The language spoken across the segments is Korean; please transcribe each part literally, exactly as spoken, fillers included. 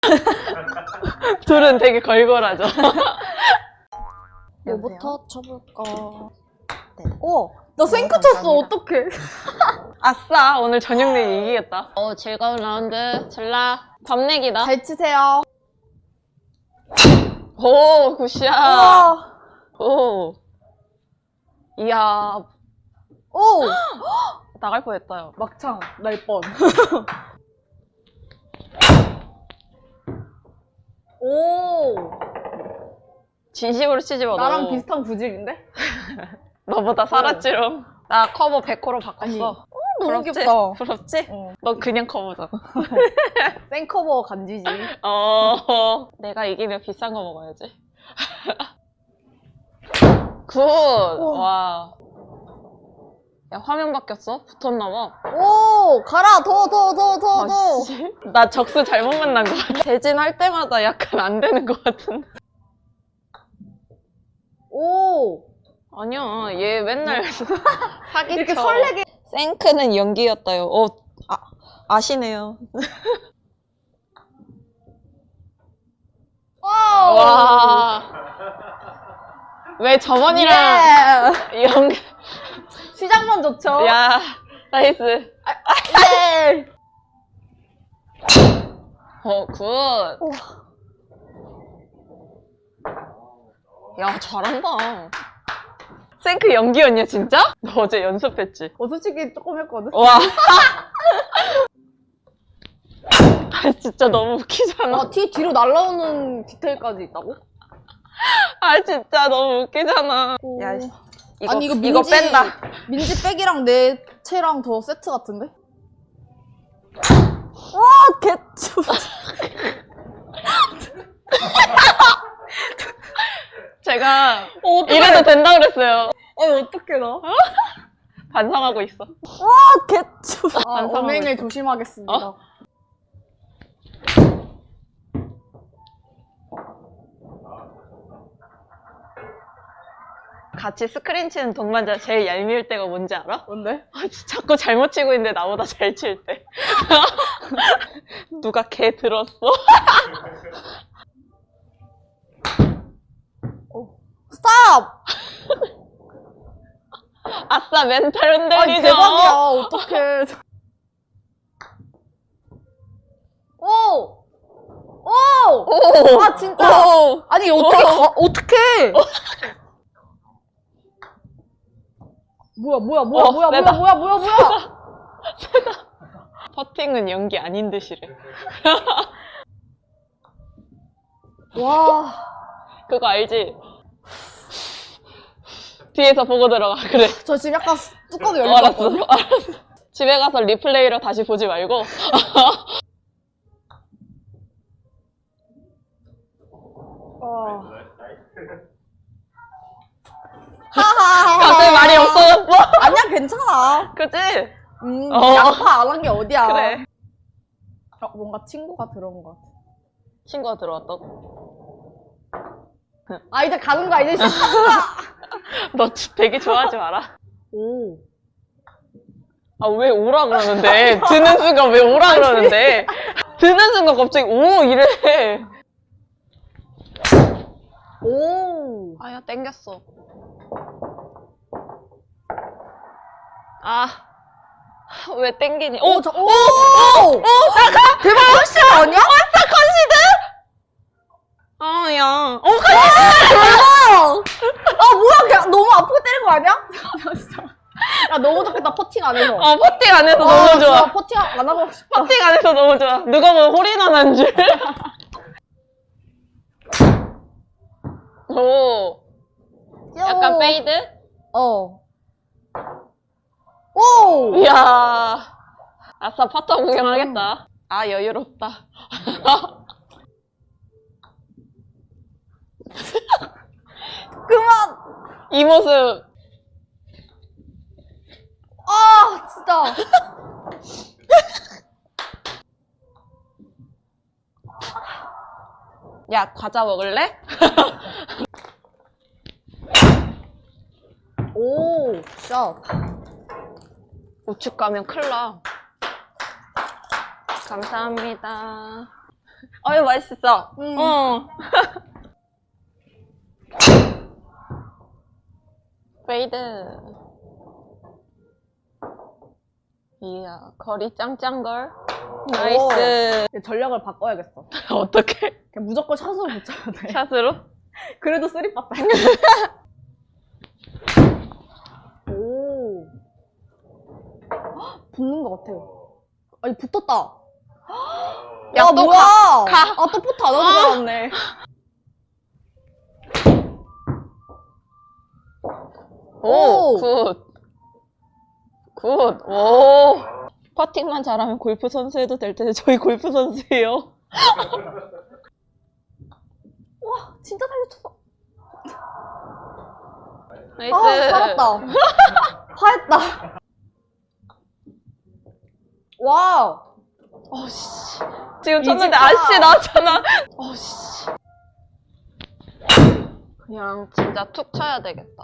둘은 되게 걸걸하죠. 뭐부터 쳐볼까? 네. 오! 나 생크 어, 쳤어. 감사합니다. 어떡해. 아싸, 오늘 저녁 내기 이기겠다. 어, 즐거운 라운드. 잘라. 밥 내기다. 잘 치세요. 오, 굿샷. 우와. 오. 이야, 오! 나갈 뻔했다. 막창 날 뻔. 오! 진심으로 치지 마, 나랑 너. 비슷한 구질인데? 너보다 살았지롱. 나 커버 백 호로 바꿨어. 아니, 너무 부럽지? 귀엽다. 부럽지? 어. 너 그냥 커버잖아. 생커버 간지지. 어. 내가 이기면 비싼 거 먹어야지. 굿! 와. 야, 화면 바뀌었어? 붙었나봐. 오! 가라! 더, 더, 더, 더, 더! 아, 씨. 나 적수 잘못 만난 것 같아. 대진할 때마다 약간 안 되는 것 같은데. 오! 아니야, 얘 맨날 사기쳐. 이렇게 설레게. 생크는 연기였다요. 어, 아, 아시네요. 와우! 와. 왜 저번이랑 예! 연기. 시작만 좋죠? 야, 나이스. 예! 어, 굿. 야, 잘한다. 생크 연기였냐, 진짜? 너 어제 연습했지? 어, 솔직히 조금 했거든? 와. 아, 진짜 너무 웃기잖아. 아, 티 뒤로 날라오는 디테일까지 있다고? 아, 진짜 너무 웃기잖아. 오. 야, 이거, 아니, 이거 민지, 이거 뺀다. 민지 백이랑 내 채랑 더 세트 같은데? 와, 개추. 제가 어떡해. 이래도 된다 그랬어요. 어, 어떡해, 나. 반성하고 있어. 와, 개추. 아, 반성하고 언행을 있어. 조심하겠습니다. 어? 같이 스크린 치는 동반자 제일 얄미울 때가 뭔지 알아? 뭔데? 아, 진짜 자꾸 잘못 치고 있는데 나보다 잘 칠 때. 누가 걔 들었어? 스탑! 아싸, 멘탈 아니, 흔들리죠? 대박이야. 어떡해. 오! 오! 오! 아, 진짜. 오! 아니, 어떻게, 가, 어떡해. 뭐야, 뭐야, 뭐야, 어, 뭐야, 뭐야, 세다. 뭐야, 뭐야, 뭐야. 퍼팅은 연기 아닌 듯이래. 와. 그거 알지? 뒤에서 보고 들어가. 그래. 저 지금 약간 뚜껑이 어, 열릴 것 알았어. 같거든요? 알았어. 집에 가서 리플레이로 다시 보지 말고. 어. 하하하. 갑자기 말이 없어졌어. 아니야, 괜찮아. 그치? 음, 어. 양파 안 한 게 어디야. 그래. 어, 뭔가 친구가 들어온 것 같아. 친구가 들어왔다고? 아, 이제 가는 거야, 이제 시작. 너 되게 좋아하지 마라. 오. 아, 왜 오라 그러는데? 드는 순간 왜 오라 그러는데? 드는 순간 갑자기 오! 이래. 오. 아야, 땡겼어. 아. 왜 땡기니? 오! 오, 저, 오! 오! 오! 대박 컨시드 아니야? 아, 야. 어, 대박! 아, 뭐야, 그냥 너무 아프게 때린 거 아니야? 야, 진짜. 야, 너무 좋겠다, 퍼팅 안 해서. 어, 퍼팅 안 해서 아, 너무 진짜 좋아. 퍼팅 안 하고 싶다. 퍼팅 안 해서 너무 좋아. 누가 보면 홀인원 한 줄. 오. 약간 페이드? 어. 오! 이야. 아싸, 퍼터 구경하겠다. 아, 여유롭다. 그만! 이 모습. 아, 진짜. 야, 과자 먹을래? 오, 샷. 우측 가면 큰일 나. 감사합니다. 어이, 맛있어. 음. 어. 페이드. 이야, 거리 짱짱걸. 나이스. 오, 전략을 바꿔야겠어. 어떻게? 그냥 무조건 샷으로 붙여야 돼. 샷으로? 그래도 쓰리 빠다. 오. 헉, 붙는 것 같아. 아니, 붙었다. 야, 야, 또 뭐야? 가. 가. 아, 또 포트 안 하고 아. 나왔네. 오, 오. 굿. 굿. 오. 퍼팅만 잘하면 골프 선수 해도 될 텐데 저희 골프 선수예요. 와, 진짜 잘 붙였어. 나이스. 아, 살았다. 파했다. 와우. 어씨. 지금 이 쳤는데 집가. 아씨 나왔잖아. 어씨. 그냥 진짜 툭 쳐야 되겠다.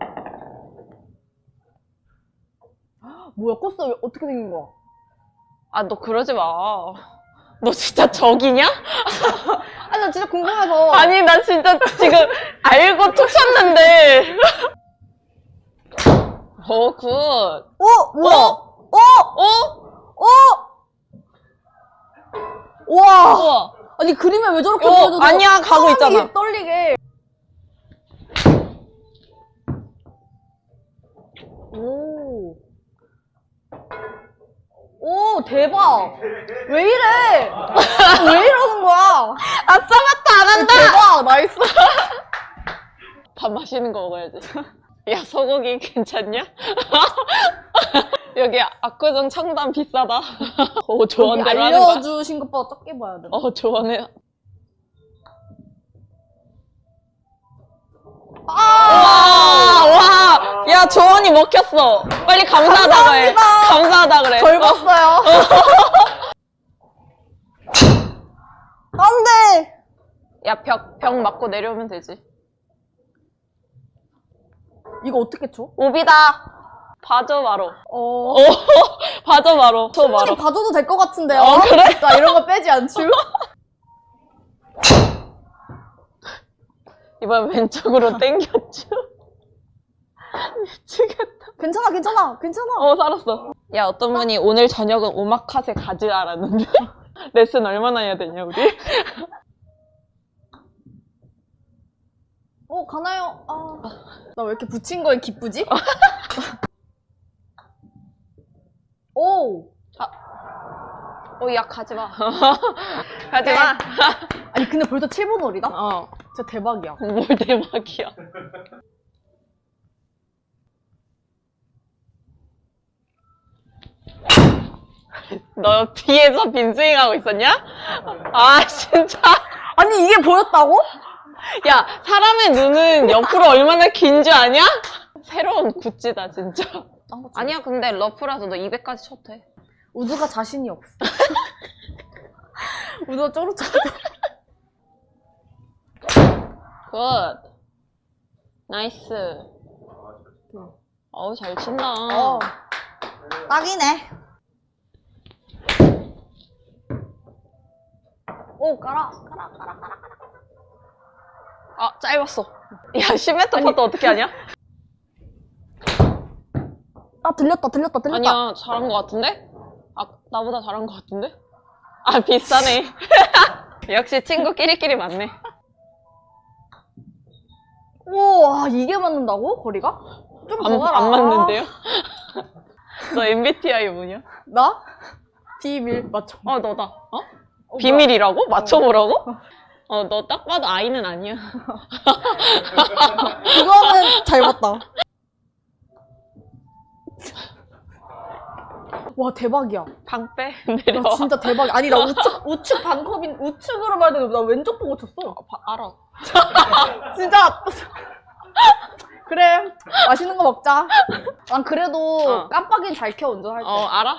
뭐야, 코스 왜 어떻게 생긴 거야? 아, 너 그러지 마. 너 진짜 적이냐? 아니, 나 진짜 궁금해서. 아니, 나 진짜 지금 알고 툭 쳤는데. 오, 굿. 어? 뭐야? 어? 어? 어? 어? 우와. 우와. 아니, 그림에 왜 저렇게 어, 보여줘서 아니야, 가고 사람이 있잖아. 떨리게. 오. 오, 대박. 왜 이래? 왜 이러는 거야? 아싸, 맞다, 안 한다! 대박, 나이스. 밥 맛있는 거 먹어야지. 야, 소고기 괜찮냐? 여기 압구정 청담 비싸다. 오, 여기 조언대로 하는 거야? 알려주신 것보다 적게 봐야 돼. 어, 조언해. 아! 와, 와! 야, 조언이 먹혔어. 빨리 감사하다고 해. 감사합니다. 감사하다 그래. 절 봤어요. 안 돼! 야, 벽, 벽 맞고 내려오면 되지. 이거 어떻게 쳐? 오비다. 봐줘, 바로. 어. 오, 봐줘, 바로. 저 바로. 충분히 봐줘도 될 것 같은데요? 어, 그래? 나 이런 거 빼지 않죠? 이번 왼쪽으로 땡겼죠? 미치겠다. 괜찮아, 괜찮아, 괜찮아. 어, 살았어. 야, 어떤 분이 오늘 저녁은 오마카세 가즈라라는데. 레슨 얼마나 해야 되냐, 우리? 어, 가나요? 아. 나 왜 이렇게 붙인 거에 기쁘지? 오! 어, 야, 가지마. 가지마. 아니, 근데 벌써 칠 번 홀이다? 어. 진짜 대박이야. 뭘 대박이야. 너 뒤에서 빈스윙 하고 있었냐? 아, 진짜. 아니, 이게 보였다고? 야, 사람의 눈은 옆으로 얼마나 긴 줄 아냐? 새로운 굿즈다, 진짜. 딴거 쳐. 아니야, 근데 러프라서 너 이백까지 쳐도 돼. 우드가 자신이 없어. 우드가 쪼르쪼르. 굿. 나이스. 어우, 잘 친다. 어. 딱이네. 오, 깔아, 깔아, 깔아, 깔아. 아, 짧았어. 야, 십 미터 퍼트 어떻게 하냐? 아, 들렸다, 들렸다, 들렸다. 아니야, 잘한 것 같은데? 아, 나보다 잘한 것 같은데? 아, 비싸네. 역시 친구끼리끼리 맞네. 오, 와, 이게 맞는다고? 거리가? 좀 더 안, 가라. 안 맞는데요? 너 엠비티아이 뭐냐? 나? 비밀 맞춰. 어, 너다. 어? 어, 비밀이라고? 맞춰보라고? 어, 너 딱 봐도 아이는 아니야. 그거는 잘 봤다. 와, 대박이야. 방 빼. 나 내려와. 진짜 대박이야. 아니, 나 우측, 우측 반컵인, 우측으로 봐야 되는데 나 왼쪽 보고 쳤어. 바- 알아. 진짜. 그래, 맛있는 거 먹자. 난 그래도 어. 깜빡이는 잘 켜, 운전할 때. 어, 알아?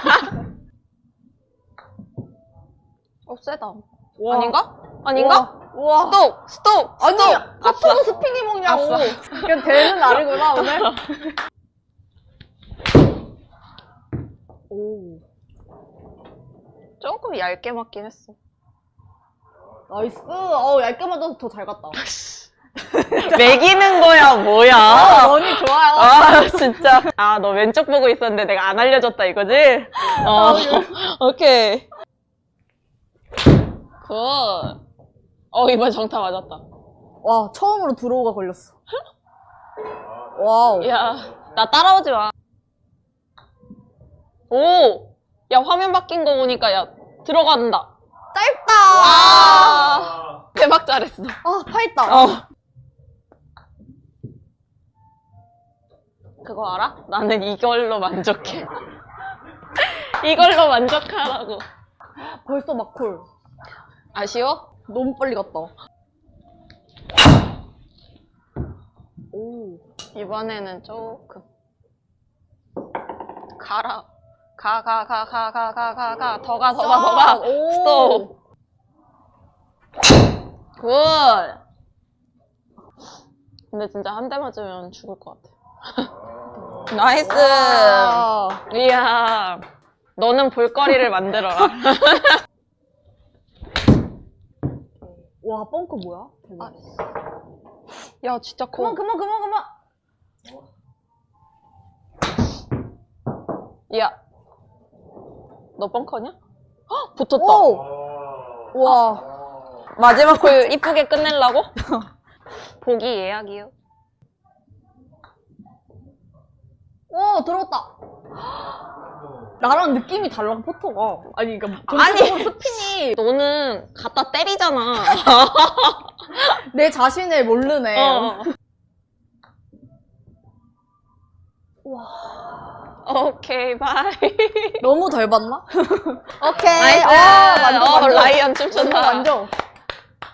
어, 세다. 와. 아닌가? 아닌가? 우와. 스톱! 스톱! 아니, 스톱! 커트도 스피니 먹냐고. 아싸. 그냥 되는 날이구나, 오늘. 오. 조금 얇게 맞긴 했어. 나이스. 어, 얇게 맞아서 더 잘 갔다. 매기는 거야, 뭐야? 아, 런이 좋아요. 아, 진짜. 아, 너 왼쪽 보고 있었는데 내가 안 알려줬다, 이거지? 어, 오케이. 굿. 어, 이번 정타 맞았다. 와, 처음으로 드로우가 걸렸어. 와우. 야, 나 따라오지 마. 오! 야, 화면 바뀐 거 보니까, 야, 들어간다. 짧다. 아, 대박 잘했어. 아, 파했다. 어. 그거 알아? 나는 이걸로 만족해. 이걸로 만족하라고. 벌써 막콜. 아쉬워? 너무 빨리 갔다. 오. 이번에는 조금. 가라. 가, 가, 가, 가, 가, 가, 가, 가. 더 가, 더 가, 더 가. 오. 스톱. 굿. 근데 진짜 한 대 맞으면 죽을 것 같아. 나이스. 아. 이야. 너는 볼거리를 만들어라. 와, 뻥크 뭐야? 대박. 야, 진짜 그만, 커. 그만, 그만, 그만. 야. 너 벙커냐? 헉, 붙었다. 오. 와. 마지막 골 이쁘게 끝내려고? 보기 예약이요. 오, 들어왔다. 나랑 느낌이 달라, 포터가. 아니, 그니까, 아니. 전체적으로 스핀이 너는 갖다 때리잖아. 내 자신을 모르네. 어. 와. 오케이, 바이. 너무 덜 봤나? 오케이. 나이스. 아, 만족, 어, 만족. 라이언 춤춘다. 만족, 만족.